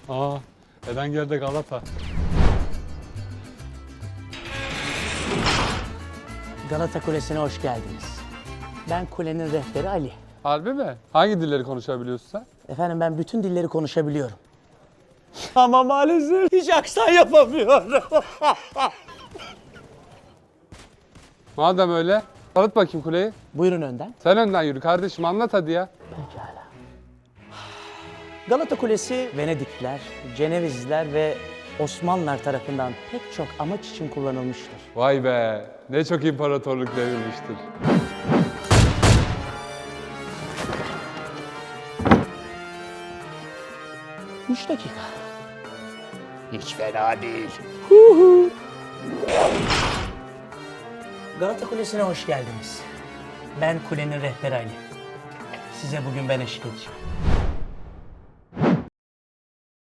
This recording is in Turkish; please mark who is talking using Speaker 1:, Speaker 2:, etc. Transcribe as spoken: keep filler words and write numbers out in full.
Speaker 1: Aa, Erenger'de Galata.
Speaker 2: Galata Kulesi'ne hoş geldiniz. Ben kulenin rehberi Ali.
Speaker 1: Harbi mi? Hangi dilleri konuşabiliyorsun sen?
Speaker 2: Efendim ben bütün dilleri konuşabiliyorum. Ama maalesef hiç aksan yapamıyorum.
Speaker 1: Madem öyle, tanıt bakayım kuleyi.
Speaker 2: Buyurun önden.
Speaker 1: Sen önden yürü kardeşim, anlat hadi ya.
Speaker 2: Pekala. Galata Kulesi Venedikliler, Cenevizliler ve Osmanlılar tarafından pek çok amaç için kullanılmıştır.
Speaker 1: Vay be, ne çok imparatorluk devrilmiştir.
Speaker 2: Üç dakika.
Speaker 3: Hiç fena değil.
Speaker 2: Galata Kulesi'ne hoş geldiniz. Ben kulenin rehberi Ali. Size bugün ben eşlik edeceğim.